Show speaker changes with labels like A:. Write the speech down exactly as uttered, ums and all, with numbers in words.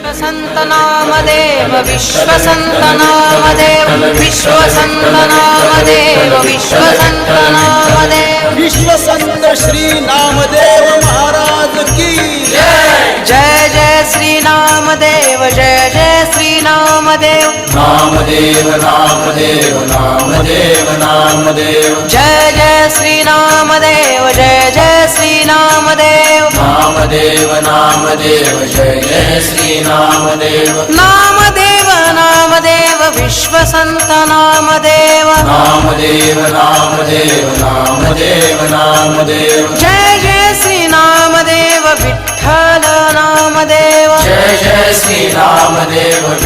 A: संत नामदेव विश्वसंत नामदेव विश्वसंत नामदेव विश्वसंत नामदेव
B: विश्वसंत श्री नामदेव महाराज की जय।
A: जय जय श्री नामदेव जय जय श्री नामदेव
B: नामदेव नामदेव नामदेव नामदेव
A: जय जय श्री नामदेव जय जय श्री नामदेव
B: नामदेव नामदेव जय जय श्री नामदेव
A: नामदेव नामदेव विश्वसंत नामदेव
B: नामदेव नामदेव नामदेव नामदेव
A: जय जय श्री नामदेव विठ्ठल नामदेव
B: जय जय श्री नामदेव